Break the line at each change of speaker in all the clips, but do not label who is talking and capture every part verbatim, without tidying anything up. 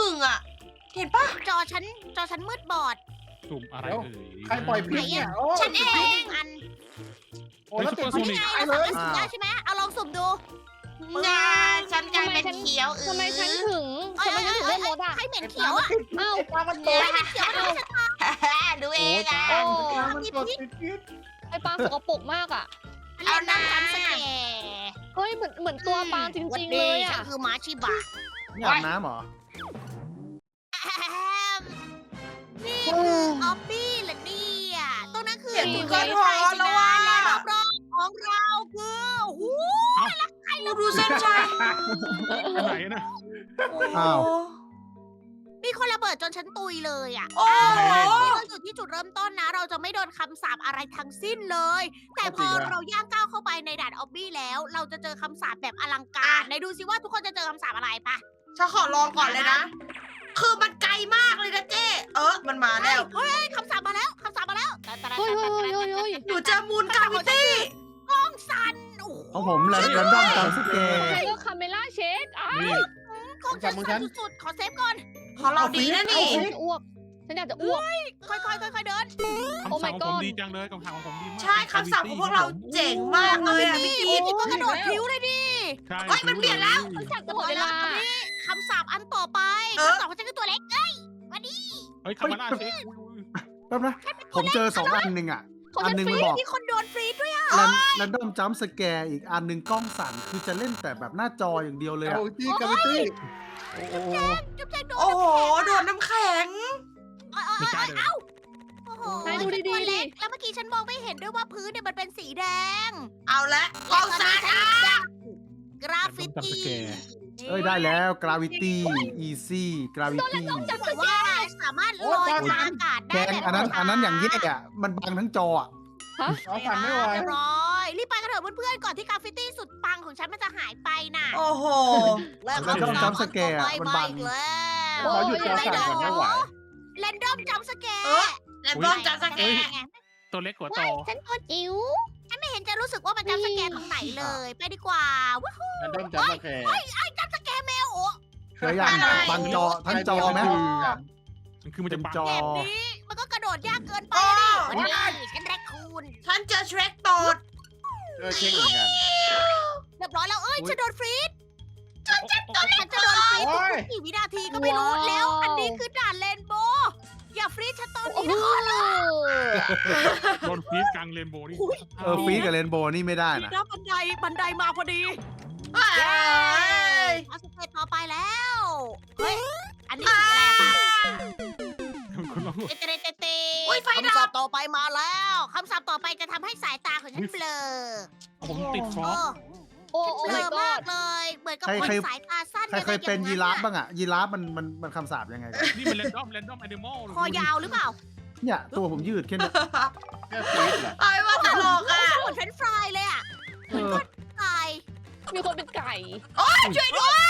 งอ่ะ เห็นปะ
จอฉันจอฉันมืดบอด
สุ่มอะไร
เดี๋ยว
เอ่ย
ใครปล่อยพิษเนี่ยโอ้
ฉันเอง
อัน
โอ้แล้วติด
เฮ้ย
พิษ
นี่ไง
ตาย
เรา
เล
สามาร
ย
ถสุ่มได้ใช่ไหมเอาลองสุ่มดู
งาฉันกลายเป็นเขียวอือ
ทำไมฉันถึง
เอ้ย
ทำไม
เอ้
ฉั
ย
นถึง
เอ้
เล่
ย
นรถอ่ะ
ให้เหม็นเขียวอ่ะ
เอ้า
ปลามันต
ให้
ก
เหม็นเขียวมันไม่ใช่ทาง
ดูเองอ่ะ
โอ้
มันตกติดพิษ
ไอปลาสกปรกมากอ่ะ
เอาน้ำจำสแกร์
เฮ้ยเหมือนเหมือนตัวปลาจริงๆเลย
ฉั
อ่ะ
นคือหมาชิบะ
นี่อาบน้ำเหรอ
นี่คือออบบี้เหรอเนี่ยตรงนั้นคือ
เสียง
ห
คุ
นึ่
ณ
ง
ก็
ใน
พอ
ไทยสิ
แล้ว
นะ
ว่า
และรอบๆของเราคือหู
ดูเส้นชัย
อันไหนนะ
อ้าว
มีคนระเบิดจนฉันตุยเลยอ่ะ
โอ้โห
นี่เราอยู่ที่จุดเริ่มต้นนะ เราจะไม่โดนคำสาปอะไรทั้งสิ้นเลย แต่พอเราย่างก้าวเข้าไปในด่านออบบี้แล้ว เราจะเจอคำสาปแบบอลังการไหนดูซิว่าทุกคนจะเจอคำสาปอะไรปะ
ฉันขอลองก่อนเลยนะ คือมันไกลมากเลยนะเจ๊เออมันมาแล้ว
เฮ้ยคำสาปมาแล้วคำสาปมาแล้ว
เฮ้ยเฮ้ยเฮ้ยเฮ้ยเฮ้ย
หนูเจอมูลกาวิตี้
กล้องสั่นโอ้โห
ของผมแรนดอมจำสแกร์
ใครก็คาเมล่าเชคอ้าว
นี่
กล้องฉันสั่นสุดๆขอเซฟก่อน
ของเราดีนะนี่
ฉันจะอ้วกฉันอยากจะอ้วก
ค่อยๆค่อยๆเดิน
คำสั่งของผมดีจังเลยคำสั่งของผมดีมาก
ใช่คำสั่งของพวกเราเจ๋งมากเลยอ่ะพี่
นี่
กิ๊ฟ
นี่ก็กระโดดผิวเลยดิ
ใช่
เฮ้ยมันเปลี่ยนแล้ว
ฉันอยากจะหมดเวลา
คำสาปอันต่อไป
เออ
คำสาปของฉันคือตัวเล็กเอ้ยวันนี้
เฮ้ยคามาล่าเช็คอุ้ย
แป๊บนะ ผมเจอสองอันหนึ่งอ่ะ
ของ
อัน
ฉัน
หนึ่ง
ฟ
มัน
รี
บอก
มีคนโดนฟรีดด้วยอ่ะ
แรนดอมจัมสแกร์อีกอันหนึ่งกล้องสั่น คือจะเล่นแต่แบบหน้าจออย่างเดียวเลย
เอา
อะ
ที่กาวิตี้
โอ้โห
จุ๊บแจงโดน
โอ้โห โดนน้ำแข็ง
เอ้ยเอ้ย
ไม่กล้า
เอ้ย
เดิน
โอ้โห
นายดูดีๆ
ตัว
ดิ
เล็กแล้วเมื่อกี้ฉันมองไม่เห็นด้วยว่าพื้นเนี่ยมันเป็นสีแดง
เอาละกองซานอ่ะ
กราฟิ
จับส
ตี้
แกร์
เอ้ยได้แล้วกราวิตี้อีซี่กราวิตี้
จะบอกว่าสามารถลอยทางอากาศ
แก
ได้
งอันนั้นอันนั้นอย่างแย่อะมันบังทั้งจออะ
เอาสั่นไม่ไหว
เรียบร้อยรีบไปกันเถอะเพื่อนๆก่อนที่กราฟิตี้สุดปังของฉันมันจะหายไปน่ะ
โอ้โห
เลิก
แรนดอมจัมสแกร์
ไป
มัน
ไป
บัง
อีกแล้ว
เขาหยุดจอสั่นก่อนไม่ไหว
แรนดอมจัมสแกร์
เออ แล้วต้องจัดสแกน
ตัวเล็กกว่าโต
ฉันตัวจิ๋ว
ฉันไม่เห็นจะรู้สึกว่ามันจัมสแกร์ตรงไหนเลย ไปดีกว่าว้าว
แรนดอมจัมป์สแกร์
จัมสแกร์แมวโอ้
เคยอย่างบังจอทั้งจอไหม
มันคือมัน
เต็
จะ
ม
ปัง
จอ
แบบนี้มันก็กระโดดยากเกินไป
โอ้
ดิวันนี้ฉันแรคคูน
ฉันเจอเชรกโตด
เออเช็คเหมือนกัน
เรียบร้อยแล้วเอ้ย
อุ๊ย
ฉันโดนฟรีด
ฉันจะ
ฉันจะโดนฟรีด
โอ้ย
ทุกๆกี่วินาทีก็ไม่รู้ แล้วอันนี้คือด่านเลนโบว์อย่าฟรีดฉันตอนนี้นะ
โดนฟีดกลางเรนโบว์นี่
เออฟีดกับเรนโบว์นี่ไม่ได้
นี่
นะ
นะบันไดบันไดมาพอดี
เอ้ย
เอาสเตจต่อไปแล้ว เฮ้ย อันนี้สีอะไรอะปะ
คุณลอง
เตเตเตเต
อุ๊ยไฟดับ
คำศัพท์ต่อไปมาแล้วคำศัพท์ต่อไปจะทำให้สายตาของฉันเบลอ
ผมติดฟ
เอ
อก
อ
โอ้
ฉัน
โอ้
เบล
my
อ
god
มากเลย เหมือนกับ
ใคร
คน
ใคร
สายตาสั้น
ใครเคยเป็นยีราฟบ้างอะยีราฟมันมันมันคำสาปยังไงกัน
นี่มันเรนดอมเรนดอมแอนิมอล
คอยาวหรือเปล่า
เนี่ยตัวผมยืดแค่เนี้ย
แค่ฟีดเหรอ
ไอ้ว่าตลกอ่ะ
เหมือนเฟรนช์ฟรายเลยอ่ะ
เออ
ตาย
มีคนเป็นไก่
ช่วยด้วย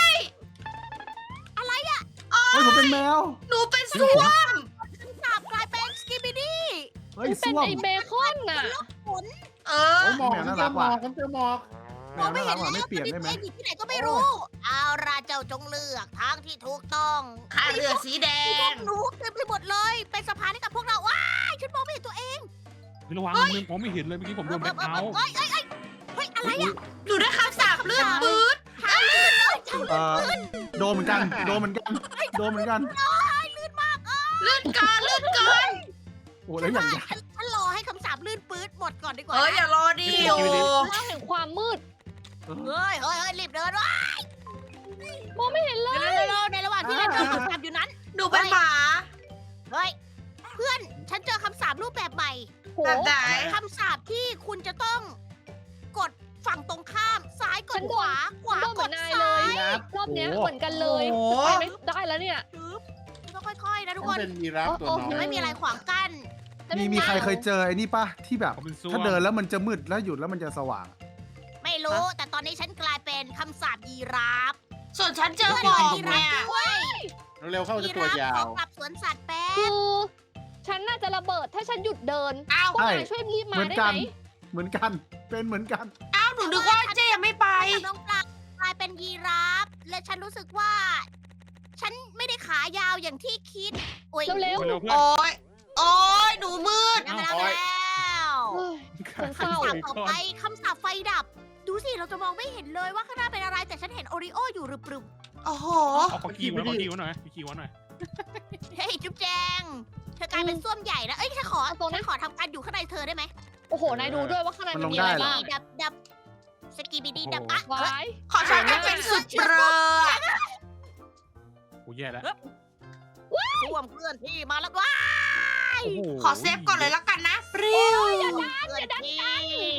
เฮ้ยผมเป็นแมว
หนูเป็นส้วม
คำศัพท์กลายเป็นสกิบิดี้
เฮ้ย
เป็น
ส้วม
ไอเบคอนน่ะ
ฝน
เออ
โอ้ยหมอก
แมว
ฉั
น่าน รั
เจอก หม
ว่ะ
อกฉันเจอหมอก
แม
มอง
ว
ไม่
น่า
เห็
รั
น
ก
แล้
ว่ะ
ว
ไม่เปลี่ยนได้ไหม
ตอนนี้อยู่ที่ไหนก็ไม่รู้ เอาราเจ้าจงเลือกทางที่ถูกต้อง
ข้าเรือสีแด
พว
ง
กหนูเต็มไปหมดเลย เป็นสะพานให้กับพวกเรา ว้ายฉันมองไม่เห็นตัวเอง
ระวังมือผมไม่เห็นเลยเมื่อกี้ผมโดนแบล็คเอาท์
เอ้ยเอ้ยเอ้ยเฮ้ย อะไรอ่ะ
หนูได้คำสาปเลือดปื๊ด
ทางลื่นเลยทาง
เออโดนเหมือนกันโดนเหมือนกันโดนเหมือนกัน
ลื่นมากเออ
เลือดเกินเลือดเกิน
โอ้แล้วอย่าง
ฉันฉันฉันรอให้คำสาปลื่นปื๊ดหมดก่อนดีกว่า
เอ้ยอย่ารอดิโอ
มองเห็นความมืด
เฮ้ยเฮ้ยเฮ้ยรีบเดินวะ
มองไม่เห็นเลย
เร็วๆๆในระหว่างที่เราเดินคำสาปอยู่นั้น
หนูเป็นหมา
เฮ้ย เพื่อน ฉันเจอคำสาปรูปแบบใหม่
โห
แบบไหน
คำสาปที่คุณจะต้องกดฝั่งตรงข้าม ซ้ายก
ฉั
ด
นโด
ข
น
วา ขวา
โดนเห
ก
มือ
ด
นนาย
ซ้า
เลย
ย
รอบเนี้ยเหมือนกันเลย
โอ้
ไปไม่ได้แล้วเนี่ย
ปึ๊บแล้วค่อยๆนะทุก
ฉั
คน น
เป็นยีราฟตัวน้อ
ยัง
ย
ไม่มีอะไรขวางกั้น
มีมีใครเคยเจอไอ้นี่ปะที่แบบ
ผมเป็นส้วม
ถ้าเดินแล้วมันจะมืดแล้วหยุดแล้วมันจะสว่าง
ไม่รู้ แต่ตอนนี้ฉันกลายเป็นคำสาปยีราฟ
ส่วนฉันเจอหมอก
ยีรา
เนี่
ฟ
ย
ด้วย
เร็วๆเข้าจะตัวยา
ขอ
ว
กลับสวนสัตว์แป๊
คื
บ
อ ฉันน่าจะระเบิดถ้าฉันหยุดเดิน
อ้าว
พวกนายช่วยรีบมา
เหมือน
ได้
กั
ไห
น
ม
เหมือนกันเป็นเหมือนกัน
อ้าวหนูนึกว่าเจ๊ยังไม่ไป
กับน้องปลากลายเป็นยีราฟ และฉันรู้สึกว่า ฉันไม่ได้ขาายาวอย่างที่คิดโอ้ย
เร็ว
เร็วเพื่อน
โอ้ยโอ้ยหนูมืด
ได้มาแล้วได้แล้ว
ๆเฮ้ย
คำสาปต่อไปคำสาปไฟดับ ดูสิเราจะมองไม่เห็นเลยว่าข้างหน้าเป็นอะไรแต่ฉันเห็นโอริโออยู่รึปรึม
โอ้โห
เอาขอคีย์ไว้ขอคีย์ไว้หน่อยขอคีย์ไว้หน่อย
เฮ้ยจุ๊บแจงเธอกลายเป็นส้วมใหญ่นะเอ้ยฉันขอฉันขอทำการอยู่ข้างในเธอได้ไหม
โอ้โห นายดูด้วยว่าข้างในมันมี
มันลง
อะไร
ได้เหรอ
บ้าง
ดับดับสกีบีดีดับอ่ะ
วา
เฮ้ย
ย
ขอฉันจะเป็นสุดเปรอะ
โอ้แย่แล้ว
ส้วมเคลื่อนที่มาแล้วว้า
โอ้โห
ขอเซฟก่อนเลยละกันนะปริ้ว
เคลื่อนที่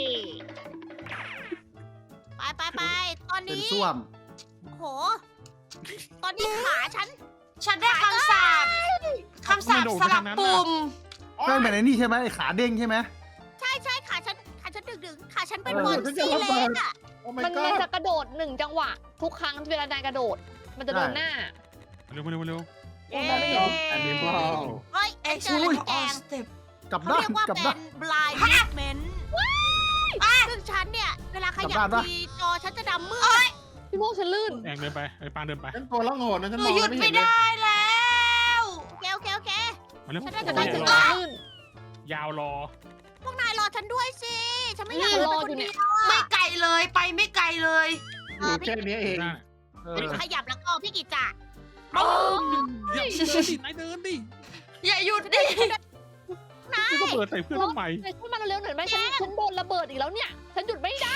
ไปไปไปตอน
เป็น
นี้
ส้วม
โอ้โห ตอนนี้ขาฉัน
ฉันได้คำสาปคำสาปสลับปุ่ม
เครื่องแบบไอ้นี่ใช่ไหมไอ้ขาเด้งใช่ไหม
ใช่ใช่ขาฉันขาฉันดึงดึงขาฉันเป็น
เออ
บอลซี่เล็กอะ
โอ้ my
มันมัน
god
จะกระโดดหนึ่งจังหวะ ทุกครั้งเวลานายกระโดด มันจะโดนหน้า
เร็วเร็วเร็ว
เย้
มองไม่เห็น
อันนี้เปล่า
เฮ้ย
เอ็ก
เจ
ซ์
อ
ลู
แล้ว
อ
แจ
อล
ง
สเต็ป
กลับ
เขา
ด้าน
เรียกว่า
กลับ
เป็
ด้าน
น blind movement ซึ่งฉันเนี่ย เวลาขยับ
กลับบ้านปะ
ทีจอฉันจะดำมืด
พี่โมกฉันลื่น
แองเดินไปไอ้ปางเดินไป
ฉันตัวล่องหนนะฉัน
ห
ม
นู
อง
หยุด
ไม่
ไม่
เห็นเลย
ได้แล้ว
โอเคโอเคโอเค
มาเร็ว
ฉันน่าจะ
ได้
ได้
ถึ
ถึ
ง
ง
จะ
แล้ว
ลื่น
ยาวรอ
พวกนายรอฉันด้วยสิ ฉันไม่อยาก
อืม
เดิน
รอ
ไป
อยู่
คน
เนี่
เดี
ย
ยว
ไม่
อะ
ไกลเลยไปไม่ไกลเลย
อยู่แค่นี้เอง
ได้
เออ
ขยับแล้วก็พี่กิจจะ
เดี๋ยวเดินดินายเดินดิ
อย่าหยุดดิ
นาย
ก็เปิดใส่เพื่อนทำไม
นายช่วยมาเร็วๆหน่อยไหมฉันฉันโดนระเบิดอีกแล้วเนี่ย ฉันหยุดไม่ได้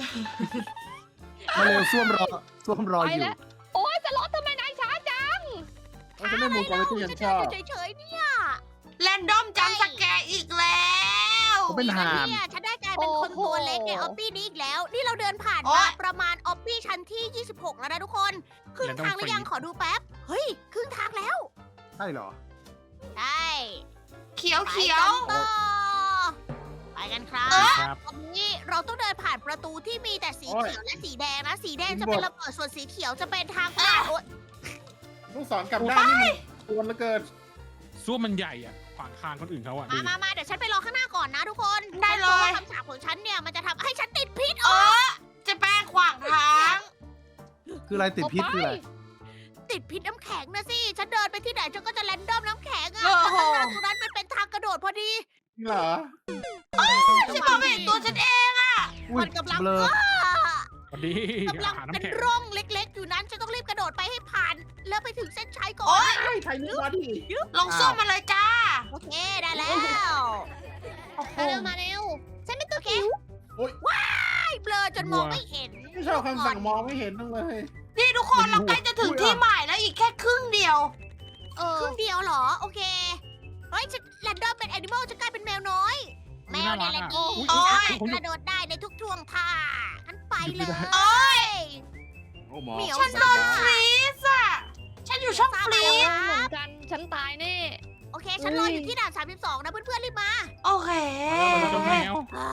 มาเร็วส้วมรอส้วมรอ
ไป
อยู่
แล้ว โอ๊ยจะรถทำไมนายช้าจัง
โอ้ฉันได้มุมกอล์ฟที่
ฉั
ฉั
น
น
เดิ
ช
น
อ
อบ ยู่เฉยๆเนี่ย
แรนดอมจำสแกร์อีกแล้ว
เขาเป็นห่าน
เนี่ยฉันได้กลายเป็นคนตัวเล็กในออฟฟี่นี้อีกแล้ว นี่เราเดินผ่าน
โอ๊
มาย ประมาณออฟฟี่ชั้นที่ ยี่สิบหก แล้วนะทุกคน ครึ่งทางหรือยังขอดูแป๊บ เฮ้ย ครึ่งทางแล้ว
ใช่เหรอ
ใช่
เขียว
ไป
เขียว
กันต่อไปกันครับ
ครับ
ตอนนี้เราต้องเดินผ่านประตูที่มีแต่สีเขียวและสีแดงนะ สีแดงจะเป็นระเบิดส่วนสีเขียวจะเป็นทางผ่านโอ๊ย
ลูกศรกลับด้านนี่มันกวนเหลือเกิน
ซ่วมมันใหญ่อ่ะขวางทางคนอื่นเขาอ่ะ
มามามาเดี๋ยวฉันไปรอข้างหน้าก่อนนะทุกคน
ได้เลย
พราะว่าคำสาปของฉันเนี่ยมันจะทำให้ฉันติดพิษ
เออจะแป้งขวางทาง
คืออะไรติดพิษคืออะไร
ติดพิษน้ำแข็งนะสิ ฉันเดินไปที่ไหนฉันก็จะแรนดอมน้ำแข็งอะ
โอ้
แล้ว
โห
ข้างหน้าตรงนั้นมันเป็นทางกระโดดพอดี
นี่เหรอ
ฉันมองไม่เห็นตัวฉันเองอะ
อุ้ย
มันกำลัง
เบลอ
พอดี
กำลัง
อาหาร
เป็น
น้ำแข็ง
ร่องเล็กๆ อยู่นั้นฉันต้องรีบกระโดดไปให้ผ่าน แล้วไปถึงเส้นชัยก่อ
โอ๊
น
ย
ไอ้ไทยนึกว่าดิ
ลงส้วมมาเลยจ้า
โอเคได้แล้ว
มาเร็วมาเร็ว
ฉันเป็นตัวคิว
โอ๊ย
ว้ายเบลอจนมองไม่เห็น
ไม่ชอบคำสั่งมองไม่เห็นนั่งเลย
นี่ทุกคนเราใกล้จะถึงที่หมายแล้วอีกแค่ครึ่งเดียว
เออครึ่งเดียวเหรอ โอเค เฮ้ยฉันแรนดอมเป็นแอนิมอลจะกลายเป็นแมวน้อย แมวเนี่ยแหละดี
โอ๊ย
สามารถกระโดดได้ในทุกท่วงท่างั้นไปเลย
โอ๊ย
โอ้หมอ
เหมียว
ฉันโดนฟรีซอะฉันอยู่ช่องฟรี
ค
ซ
เหมื
รั
อบ นกัน ฉันตายแน่
โอเค ฉันรออยู่ที่ด่านสามสิบสองนะเพื่อนๆรีบมา
โอเค
เจ้าแมว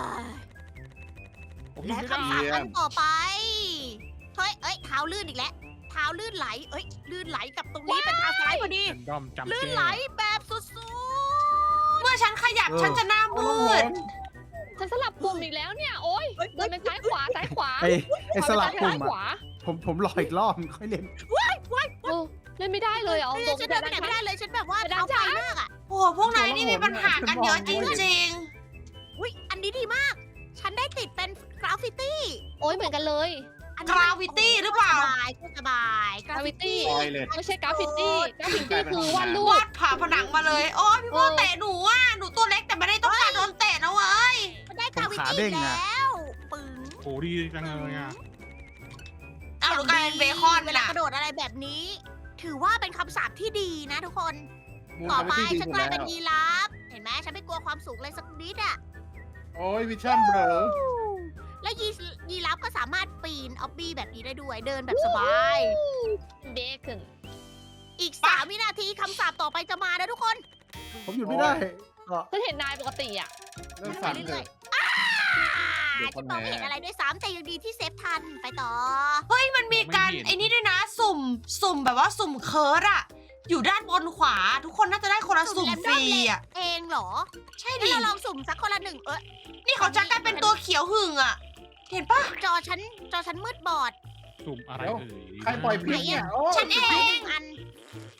ผมอยู่
และ
ไม่ได้
คำสาปครั้งต่อไป เฮ้ย เอ้ย เท้าลื่นอีกแล้ว เท้าลื่นไหล เอ้ย ลื่นไหลกับตรงนี้เป็นทางซ้ายพอดี
แรนดอมจำ
ลื่น
แก้
ไหลแบบสุด
เมื่อฉันขยับ
เออ
ฉันจะหน้ามืด
ฉันสลับปุ่มอีกแล้วเนี่ย โอ๊ยเดินไปซ้ายขวาซ้ายขวา
ไอ้ไอ้สลับปุ่
ซ้าม ยข
อ่ะ
วา
ผมผมรออีกรอบค่อยเล่น
เออเล่นไม่ได้เลยเอา
ๆเฮ้ย
ตรง
ฉันเดินไปไหนไม่ได้เลย ฉันแบบว่า
ไปด้า
เท้าน ไฟ
ซ้าย
มากอ่ะ
โอ้โหพวกนายนี่มีปัญหากันเยอะจริง
อุ้ย อันนี้ดีมาก ฉันได้ติดเป็นกราฟฟิตี้
โอ๊ยเหมือนกันเลย
อัน
ๆ
นี้
กราวิตี้หรือเปล่า
สบายก็สบายกราฟฟิตี้
Gravity
ลอยเลย
ไม่ใช่กราฟฟิตี้กราฟฟิตี้คือวาดรู
วา
ป
ดผ่าผนังมาเลย โอ้ยพี่โมเตะหนูอ่ะ หนูตัวเล็กแต่ไม่ได้ต้องการโดนเตะนะเว้ย
มันได้กราฟฟิ
ผมขา
ตี้
เด้ง
แล
อะ
้ว ปึ๋ง
โอ้ดีจังเลยอ่ะ
อ้าวหนูกลายเป็นเบคอน
เว
ไป
ลา
ละ
กระโดดอะไรแบบนี้ ถือว่าเป็นคำสาปที่ดีนะทุกคน
มุม
ต่อไป
ที่ดี
ฉัน
สุด
กลาย
แล้
เป็น
ว
ยีราฟ เห็นไหมฉันไม่กลัวความสูงเลยสักนิดอ่ะ
โอ้ยวิชั่นเบลอ
แล้วยียีราฟก็สามารถปีนออบบี้แบบนี้ได้ด้วย เดินแบบสบาย
เบคอน
อีกสามวินาทีคำสาปต่อไปจะมานะทุกคน
ผมหยุดไม่ได้ก็
ฉันเห็นนายปกติอ่ะ
เริ่มสั่น
ไป
เล
เรื่อย
ย
ๆอ่า
เดี๋ยวก่
ฉั
อน น
มองไม่
แม่
เห็นอะไรด้วยซ้ำแต่ยังดีที่เซฟทัน ไปต่อ
เฮ้ยมันมีการไอ้นี่ด้วยนะ สุ่ม สุ่มแบบว่าสุ่มเคิร์ดอะอยู่ด้านบนขวา ทุกคนน่าจะได้คนละสุ่มฟรีอะ
เองเหรอ
ใช่
งั้
ดิ
นเราลองสุ่มสักคนละหนึ่งเออ
นี่เขาจะกลายเป็นตัวเขียวหึ่งอะเห็นปะ
จอฉันจอฉันมืดบอด
สุ่มอะไรเอ่ย
ใครปล่อยพิษเนี่ยโอ้
ฉันเอ
ไปห
ง
นึ่งอัน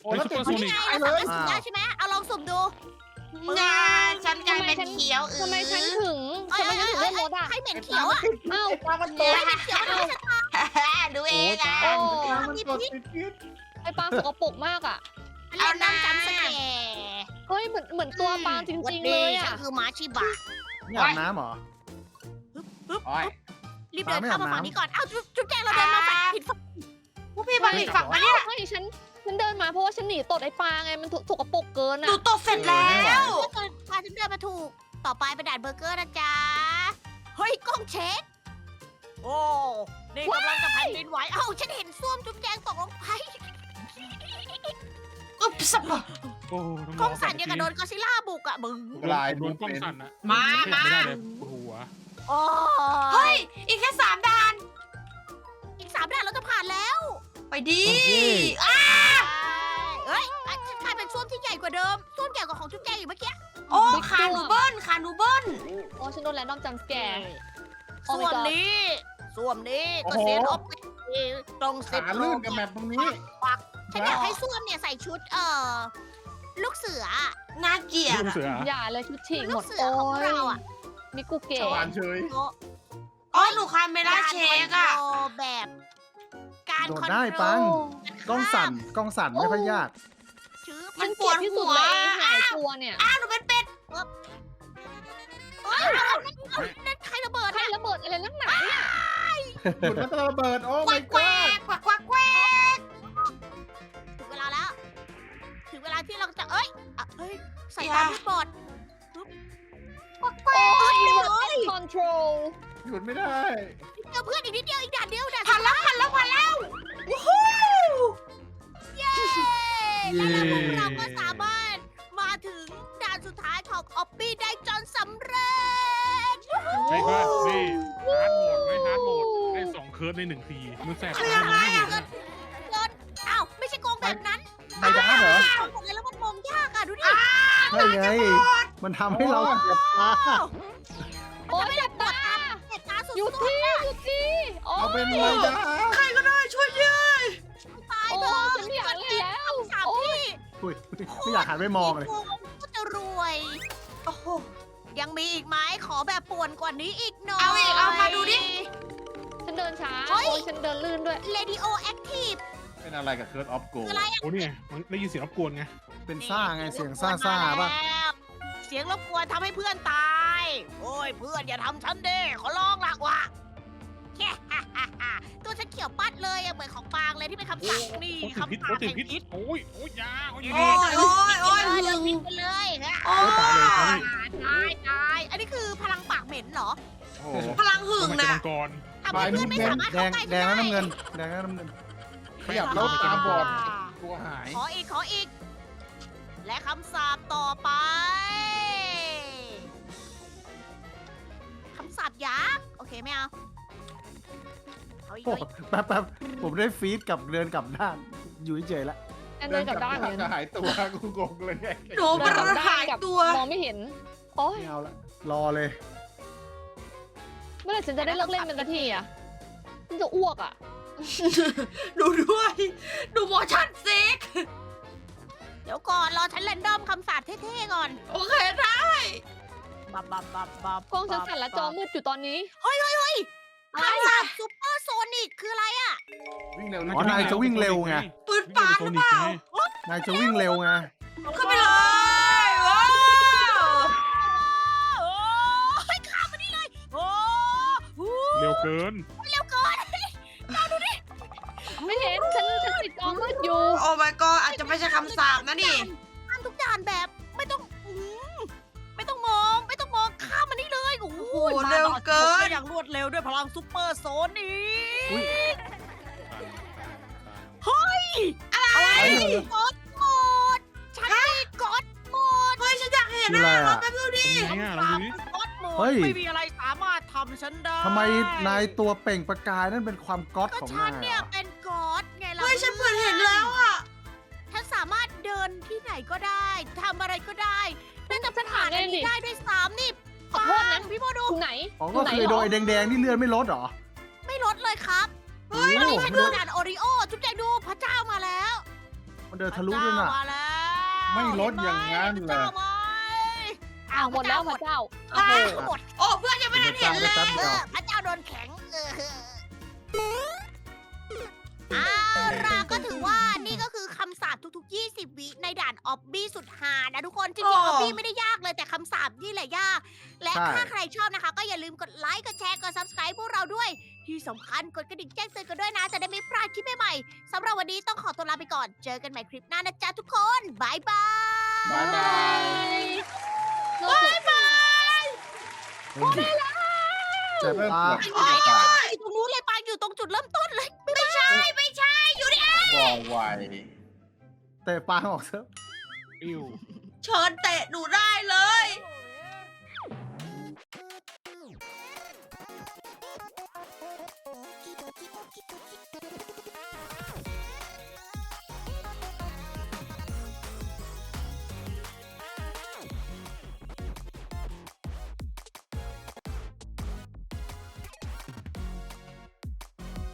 โอ้ยแล้วติด
โซ
นี่
นิก
ไงเราสามารถสุ่มได้ใช่ไหมเอาลองสุ่มดู
งาฉันกลายเป็นเขียวอือ
ทำไมฉันถึง
เอ้ย
ทำไม
เอ้
ฉั
ย
นถึง
เอ้
เลื่อย นรถอ่ะ
ให้เหม็นเขียวอ่ะ
อ้าว
ปลามันต
เนี่
ก
ย
ให้เหม็นเขียวมันไม่ใช่ทาง
ดูเองอ่ะ
โอ้
มันตกติดพิษ
ไอปลาสกปรกมากอ่ะ
เล่นน้ำจำสแก
เฮ้ยเหมือนเหมือนตัวปลาจริงๆเลย
ฉั
อ่ะ
นคือม้าชิบะ
นี่อาบน้ำเหรอ
โอ้ย
รีบเดินเข้ามา
ปลาไม่อาบน้ำ
ฝั่งนี้ก่อน เอ้าจุ๊บจุ๊บแจงเราเดินมาฝั่งผิดฝั่ง
พวกพี่บางอีกฝั่งมาเนี่ย
ไม่ฉันฉันเดินมาเพราะว่าฉันหนีตดไอปลาไงมันสกปรกเกิน
หนู
อ่ะ
ตกเสร็จแล้ว
เดินพาฉันเดินมาถูก ต่อไปเป็นด่านเบอร์เกอร์นะจ๊ะ เฮ้ยกล้องเช็ค โอ้ นี่กำลังจะแผ่นดินไหว เอ้าฉันเห็นส้วมจุ๊บแจงตกลงไป
อุ๊บสับ
โอ้น้อง
กล้องสั่นยังกับโดนก็อดซิลล่าบุกอะมึง
ลาย
โดนกล้องสั่นอะ
มา
ขยับ
มา
ไม่ได้เลยปวดหัว
โอ้
เฮ้ย อีกแค่สามด่าน
อีกสามด่านเราจะผ่านแล้ว
ไปดี
โอเค
อ่ะ
เฮ้ยอ่ะฉันกลายเป็นส้วมที่ใหญ่กว่าเดิมส้วมใหญ่กว่าของจุ๊บแจงอีกเมื่อกี้
โอ้ขาหนูเบิ้ลขาหนูเบิ้ล
โอ้ฉันโดนแรนดอมจัมสแกร์
ส้วมนี้ส้วมนี้ก็เซนออฟตรงเซ็ต
ขาลื่นกับแมปตรงนี้
ฉันอยากให้ส้วมเนี่ยใส่ชุดเอ่อลูกเสือ
น่าเกลียด
ลูก
อะ
เสือ
อย่าเลยชุดฉีกห
ลู
ม
ก
ด
เสือ
โอ้
ของ
ย
เราอะ
มิกุเกะ
สว่านเฉย
อ๋อหนูคาเมล่าเชคอะ
การคอนโทรลแบบ การ
โดด
คอน
ได้
โทร
ปัง
ล
กล้องสั่นกล้องสั่นไม่ค่อยยาก
ชื้อ
มั
มัน น
ป
ปว
ว
ด
ด
ที่
หั
สุด
ว
เลยหายตัวเนี่ย
อ้าวหนูเป็นเป็ด
เอ้ยเอาเอาเอานั่นใครระเบิด
ใคร
เนี่ย
ระเบิดอะไรนักหนาเนี่ย
หยุดมันจะระเบิด โอ้
แกว
ไม่
ก
ก
แกว
ล้าก
แกวกแกวกแกวก
ถึงเวลาแล้ว ถึงเวลาที่เราจะเอ้ยอ่ะเอ้ยใส่ตามที่บอด
โอ้ยคอนโทรล
หยุดไม่ได้
เจอเพื่อนอีกนิดเดียวอีกด่านเดียวด่าน
ผ่านแล้วผ่านแล้วผ่านแล้ววู้ฮู้
เย้และแล้วพวกเราก็สามารถมาถึงด่านสุดท้ายของออปปี้ได้จนสำเร็จ
ใช่ก็นี่ฮาร์ดโหมดไม่ฮาร์ดโหมดได้สองเคิร์ดในหนึ่งทีมันแสบตามันไม่เห็นอะ
เกินอ้าวไม่ใช่โกงแบบนั้น
ไม่ได้เหรอ
โกงหมดเลยแล้วมันมองยากอ่ะดูดิ
ใช่ไง มันทำให้เราเจ็บตา
โอ้ยเจ็บตา
เจ็บตาสุด
หยุด
ๆ
ที่หยุดที่โอ้
เอาเป็น
ย
ระยะ
ใครก็ได้ช่วยยืน
ตาย
โอ้
เถอะ
ฉันไม่อยากเล่นแล้ว
สาม
โอ้ย
ที่
อุ้ยไม่อยากหันไปมองเลย
โกงก็จะรวย
โอ้โห
ยังมีอีกไหมขอแบบป่วนกว่านี้อีกหน่อย
เอาอีกเอามาดูดิ
ฉันเดินช้า
เฮ้ย
โอ้ยฉันเดินลื่นด้วย
เรดิโอแอคทีฟ
เป็นอะไรกับเคิร์ดออฟโก
คืออะไรอ่ะ
โอ้เนี่ยมันได้ยินเสียงรบกวนไง
เป็นซ่าไงเสียงซ่าซ่าๆป่ะ
เสียงรบกวนทำให้เพื่อนตาย โอ้ยเพื่อนอย่าทำฉันเด้ขอร้องละวะแค่ตัวฉันเขียวปัดเลยอะเหมือนของปางเลยที่เป็นคำสั่งนี่
โอ้ติดพิษ
คำ
โอ้
สั่ง
ติด
แห่ง
พิษ
พิษ
โอ้ยโอ้ยยาโอ้ย
โอ้ยโอ้ยโอ้ย
เออ
หึ
เลิก
ง
พิษไปเลยฮะ
โอ้
ตายเลยครับ
ย
ตายตายอันนี้คือพลังปากเหม็นเหรอ
โอ้โห
พลังหึง
มันจะ
นะ
มังกร
ทำให้เพื่อนไม่สามารถ
แด
เข้าง ใกล้
แด
ฉั
ง
น
แล้ว
ได้
น้ำเงิน แดงแล้วน้ำเงิน
ขยับแล้วตาบอดตัวหาย
ขออีกขออีก และคำสาปต่อไปคำสาปยักษ์โอเคไม่เอาเอาอีก
โอ้
เอาอีก
แป๊บแป๊บผมได้ฟีดกับเดินกลับด้าน อยู่เฉยๆละ
ฉันเดินกลับด้านเหมือน
จะหายตัวกูงงเลยไง
หนูมัน
เดินกลับด้
หาน ย
กับ
ตัว
มองไม่เห็น โอ้ย
ไม่เอาละ รอเลย
เมื่อไหร่ฉันจะได้เลิกเล่นเป็นสักทีอ่ะฉันจะอ้วกอ่ะ
ดูด้วย ดูโมชั่นซิก
เดี๋ยวก่อนรอฉันแรนดอมคำสาปเท่ๆก่อน
โอเคได้
บับบับบับบับ
กล้องฉันสั่นและจอมืดอยู่ตอนนี้
คำสาปซูเปอร์โซนิกคืออะไรอ่ะ
วิ่งเร็ว
อ๋อนายจะวิ่งเร็วไง
ปืนปานหรือเปล่า
นายจะวิ่งเร็วไง
ขึ้นไปเลยว้าว
โอ้ยข้ามมานี่เลยโอ้โห
เร็วเกิน
เร็วเกิน
ไม่เห็น ฉันฉันติดจอมืดอยู่
โอ้ my god อาจจะไม่ใช่คำสาปนะนี่
ข้ามทุกด่านแบบไม่ต้องอืมไม่ต้องมองไม่ต้องมองข้ามมานี่เลยโอ้โห
โอ้โหเร็วเกิน
อย่างรวดเร็วด้วยพลังซูเปอร์โซนิก
อุ๊ย
อะไรกดหมดฉันมีกดหมด
เฮ้ย ฉันอยากเห็น
คืออะไร
อ่ะรอ
อ่ะ
แป๊บนึงดิ
เป็นไงอ่ะเราดูดิ
กดหมด
เฮ้ย
ไม่มีอะไรสามารถทำฉันได้
ทำไมนายตัวเปล่งประกายนั่นเป็นความก๊อต
ก็
ของ
ฉั
นาน ย
เนี่ย
เหรอ
เป็นกดไงล่ะ
เฮ้ย ฉันเปิดเห็นแล้วอ่ะ
ฉันสามารถเดินที่ไหนก็ได้ทำอะไรก็ได้น่าจะ
ฉันถาม
ผ่านอัน
เลยดิ
นี้ได้ด้วยซ้ำนี่
ขอโทษนะ
ปังพี่โมดู
อยู่ไหน
อ๋อ
อ
ก็
ยู่ไหน
คือ
หร
โด
อ
ยแดงๆที่เลื่อนไม่ลดเหรอ
ไม่ลดเลยครับ
เฮ้ย
วันนี้ฉันดูด่านโอริโอจุ๊บแจงดูพระเจ้ามาแล้ว
มันเดินทะลุด้วยน่ะ
พระเจ้ามาแล้ว
ไม่ลดอย่างนั้นเลย
พระเจ้าไหม
อ้าวหมดแล้วพระเจ้า
โอ้โหหมด
โอ้เพื่อนยังไม่ได้เห็นเลย
แป๊บ
เอ
เดียว
อพระเจ้าโดนแข็งเออเอาล่ะก็ถือว่านี่ก็คือคำสาปทุกๆ ยี่สิบ วิในด่านออบบี้สุดหานะทุกคน จริงๆออบบี้ไม่ได้ยากเลยแต่คำสาปนี่แหละยาก และถ้าใครชอบนะคะ ก็อย่าลืมกดไลค์กดแชร์กด subscribe พวกเราด้วย ที่สำคัญกดกระดิ่งแจ้งเตือนกันด้วยนะ จะได้ไม่พลาดคลิปใหม่ๆสำหรับวันนี้ต้องขอตัวลาไปก่อน เจอกันใหม่คลิปหน้านะจ๊ะทุกคนบายบาย
บายบาย
เราจะ
เจ็บ
เริ่ม
ตา
ปวด
ไป
ที่
ไป
จะ
ไป
ตาย
อยู่ตรงนู้นเลยปางอยู่ตรงจุดเริ่มต้นเลย
ไม่ใช่ไม่ใช่อยู่ดิ
บ่อไว
แต่ปางออกเถอะ
อิว
เชิญเตะหนูได้เลย